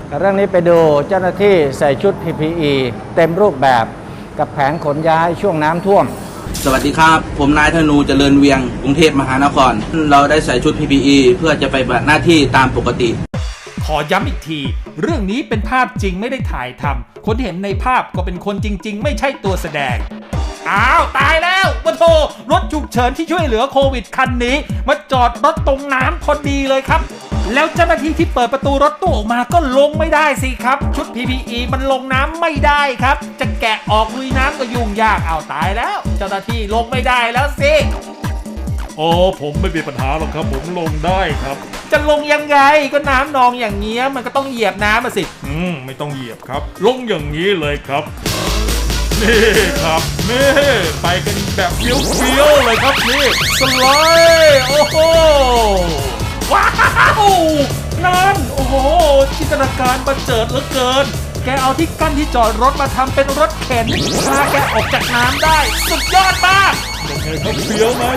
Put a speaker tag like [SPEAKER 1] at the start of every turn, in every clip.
[SPEAKER 1] เรื่องนี้ไปดูเจ้าหน้าที่ใส่ชุด PPE เต็มรูปแบบกับแผนขนย้ายช่วงน้ำท่วม
[SPEAKER 2] สวัสดีครับผมนายธนูเจริญเวียงกรุงเทพมหานครเราได้ใส่ชุด PPE เพื่อจะไปปฏิบัติหน้าที่ตามปกติ
[SPEAKER 3] ขอย้ำอีกทีเรื่องนี้เป็นภาพจริงไม่ได้ถ่ายทำคนที่เห็นในภาพก็เป็นคนจริงๆไม่ใช่ตัวแสดงอ้าวตายแล้วมาโทรถฉุกเฉินที่ช่วยเหลือโควิดคันนี้มาจอดรถตรงน้ำพอดีเลยครับแล้วเจ้าหน้าที่ที่เปิดประตูรถตู้ออกมาก็ลงไม่ได้สิครับชุด PPE มันลงน้ำไม่ได้ครับจะแกะออกลุยน้ำก็ยุ่งยากเอาตายแล้วเจ้าหน้าที่ลงไม่ได้แล้วสิ
[SPEAKER 4] อ๋อผมไม่มีปัญหาหรอกครับผมลงได้ครับ
[SPEAKER 3] จะลงยังไงก็น้ำนองอย่างเงี้ยมันก็ต้องเหยียบน้ำมาสิ
[SPEAKER 4] ไม่ต้องเหยียบครับลงอย่างนี้เลยครับนี่ครับนี่ไปกันแบบเฟี้ยวๆเลยครับนี่สไลด์โอ้โห
[SPEAKER 3] ว้าวนั่นโอ้โหจินตนาการบันเจิดเหลือเกินแกเอาที่กั้นที่จอดรถมาทำเป็นรถเข็นพาแกออกจากน้ำได้สุดยอดมาก
[SPEAKER 4] ยังไงครับเฟี้ยวไหม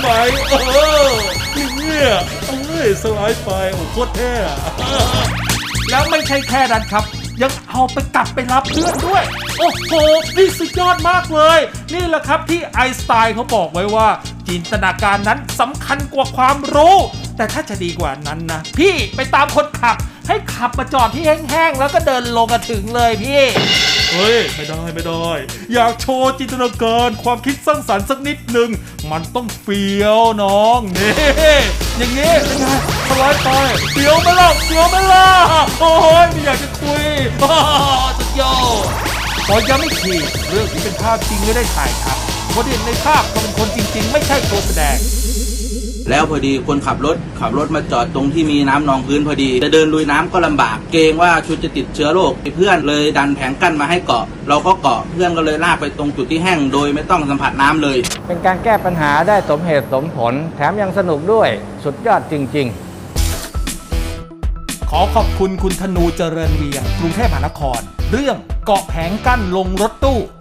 [SPEAKER 4] เนี่ยสไลด์ไปโอ้โคตรเท่
[SPEAKER 3] แล้วไม่ใช่แค่นั้นครับยังเอาไปกลับไปรับเพื่อนด้วยโอ้โหนี่สุดยอดมากเลยนี่แหละครับที่ไอน์สไตน์เขาบอกไว้ว่าจินตนาการนั้นสำคัญกว่าความรู้แต่ถ้าจะดีกว่านั้นนะพี่ไปตามคนขับให้ขับมาจอดที่แห้งๆแล้วก็เดินลงกันถึงเลยพี่
[SPEAKER 4] เฮ้ยไม่ได้อยากโชว์จินตนาการความคิดสร้างสรรค์สักนิดหนึ่งมันต้องเฟี้ยวน้องนี่อย่างงี้เป็นไงสไลด์ไปเฟี้ยวไหมล่ะโอ้ยไม่อยากจะคุย
[SPEAKER 3] สุดยอดขอย้ำอีกทีเรื่องที่เป็นภาพจริงไม่ได้ถ่ายทำคนที่เห็นในภาพก็เป็นคนจริงๆไม่ใช่ตัวแสดง
[SPEAKER 2] แล้วพอดีคนขับรถมาจอดตรงที่มีน้ำนองพื้นพอดีจะเดินลุยน้ำก็ลำบากเกรงว่าชุดจะติดเชื้อโรคเพื่อนเลยดันแผงกั้นมาให้เกาะเราก็เกาะเพื่อนก็เลยลากไปตรงจุดที่แห้งโดยไม่ต้องสัมผัสน้ำเลย
[SPEAKER 1] เป็นการแก้ปัญหาได้สมเหตุสมผลแถมยังสนุกด้วยสุดยอดจริง
[SPEAKER 3] ๆขอขอบคุณคุณธนูเจริญเวียงกรุงเทพมหานครเรื่องเกาะแผงกั้นลงรถตู้